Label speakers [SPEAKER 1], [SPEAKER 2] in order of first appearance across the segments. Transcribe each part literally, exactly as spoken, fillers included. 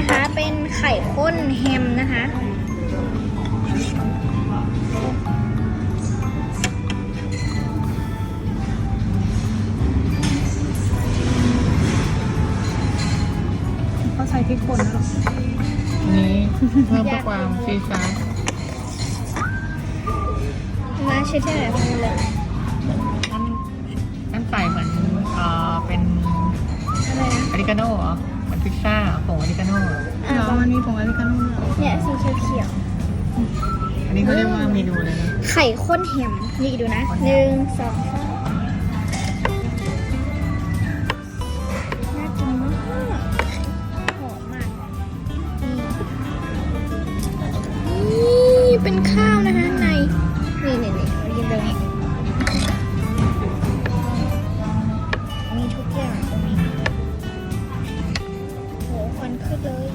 [SPEAKER 1] นะคะเป็นไข่ข้นแฮมนะคะ
[SPEAKER 2] เขาใส่พริกป่นแล้วหรอ
[SPEAKER 3] นี้เพิ่มความซีซ่า
[SPEAKER 1] มาเช็ดที่ไหนพอเลย
[SPEAKER 3] นั่นนั่นใส่เหมือนเอ่อเป็น
[SPEAKER 1] อะไรนะ
[SPEAKER 3] อเมริกาโน่เหรอเหมือนพิซซ่าผงอเมริกาโน่
[SPEAKER 1] อ่า
[SPEAKER 2] แล้วมันมีผงอเมริกาโน่
[SPEAKER 1] เนี่ยสีเขียว
[SPEAKER 3] อันนี้เขาเรียกว่าเมนูเลยนะ
[SPEAKER 1] ๆไข่ข้นแฮมนี่ดูนะหนึ่งสองสามน่ากินมากหอมมากนี่เป็นข้าวนะคะในนี่นี่นี่มากินตรงนี้มีทุกอย่างตรงนี้โหควันขึ้นเลย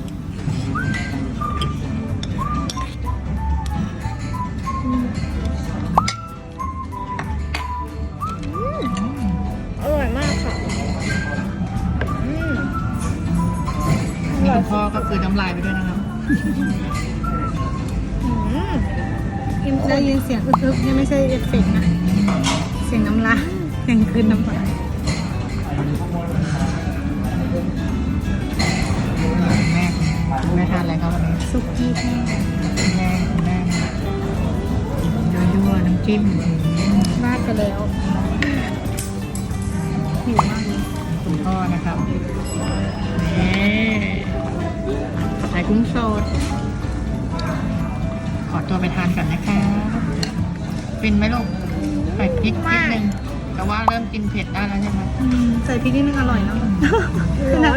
[SPEAKER 1] อืมอืมอร่อยมากค่ะอืมอ
[SPEAKER 3] นี่
[SPEAKER 1] ร่อย
[SPEAKER 3] คุณพ่อก็คือน้ำลายไปด้วยนะครับ
[SPEAKER 1] อืมเข้มข้
[SPEAKER 2] ได้
[SPEAKER 1] น
[SPEAKER 2] ยินเสียงอึกๆนี่ไม่ใช่เอฟเฟกต์นะเสียงน้ำลายเสียงคืนน้ำลาย
[SPEAKER 3] แม่แม่ทานอะไรครับวันนี้
[SPEAKER 2] ซุกี้แห้ง
[SPEAKER 3] แม่แม่ยั่วๆน้ำจิ้ม
[SPEAKER 2] ราดไปแล้วหิวมากเลย
[SPEAKER 3] คุณพ่อนะครับนี่ไข่กุ้งสดขอตัวไปทานก่อนนะคะฟินไหมลูกใส่พริกนิดนึงแต่ว่าเริ่มกินเผ็ดได้แล้วใช่ไหม
[SPEAKER 2] อืมใส่พริกนิดนึงอร่อยเนาะ
[SPEAKER 1] ร้อน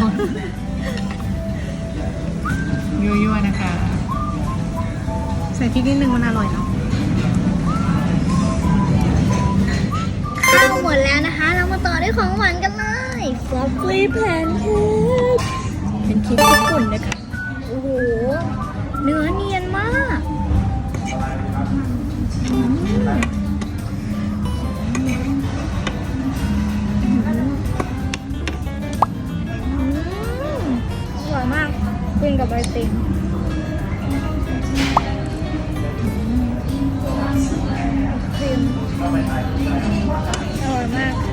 [SPEAKER 3] ยั่วๆนะคะ
[SPEAKER 2] ใส่พริกนิดนึงมันอร่อยเนาะ
[SPEAKER 1] ข้าวหมดแล้วนะคะ เรามาต่อด้วยของหวานกันเลยฟลอฟฟี่แพนเค้กเป็นเค้กญี่ปุ่นนะคะโอ้โหเนื้อเนียนมากอืมอืมอร่อยมากกินกับไอติมครีมอร่อยมาก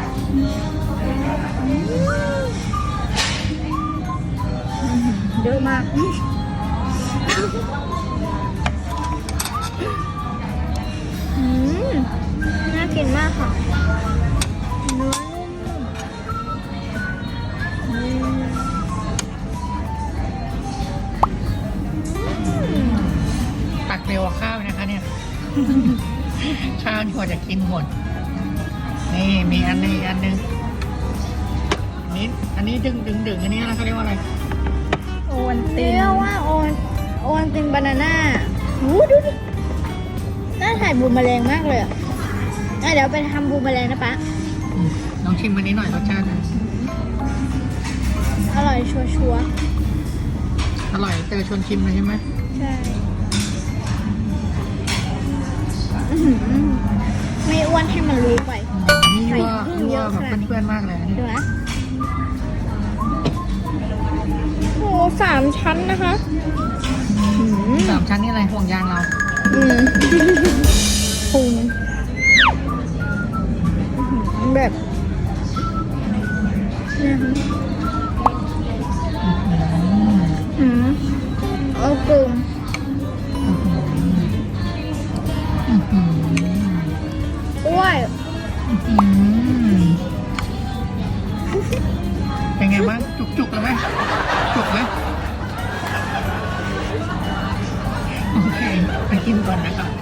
[SPEAKER 1] เยอะมากอืมน่ากินมากค่ะเนื้อนุ่มๆอืมอืม
[SPEAKER 3] ตักเร็วกว่าข้าวนะคะเนี่ย ข้าวนี่กว่าจะกินหมดนี่มีอันนึงอีกอันนึงอันนี้อันนี้ดึงดึงดึงอันนี้อะไรเขาเรียกว่าอะไร
[SPEAKER 2] โอวันติ
[SPEAKER 1] เรี
[SPEAKER 2] น
[SPEAKER 1] ยกว่าโอนโอนตินบานาน่าหูดูดิน่าถ่ายบูมแมลงมากเลยอ่ะอ่ะเดี๋ยวไปทำบูมแมลงนะป๊า
[SPEAKER 3] อืมลองชิมอันนี้หน่อยรสชาติ
[SPEAKER 1] อร่อยชัวชัวร์
[SPEAKER 3] อร่อยเจอชวนชิมเลยใช่ไหม
[SPEAKER 1] ๆใช่อื้อหือไม่อ้วนให้มันรู้ไป
[SPEAKER 3] นี่
[SPEAKER 1] ใส่
[SPEAKER 3] ว่า
[SPEAKER 1] พึ่ง
[SPEAKER 3] นี่
[SPEAKER 1] เย
[SPEAKER 3] ว่า
[SPEAKER 1] อะ
[SPEAKER 3] แบบ
[SPEAKER 1] ขนาดนี้
[SPEAKER 3] เพื่อนๆมากเลยอันนี้
[SPEAKER 1] ดูนะโอ้สามชั้นนะคะอืม
[SPEAKER 3] สามชั้นนี่อะไรห่วงยางเรา
[SPEAKER 1] อืมปรุงอื้อหือแบบเนี่ยค่ะอืมเอากลุ่มอ้วย
[SPEAKER 3] อืมเป็นไงบ้างจุกๆเลยไหมจุกไหมโอเคไปกินก่อนนะครับ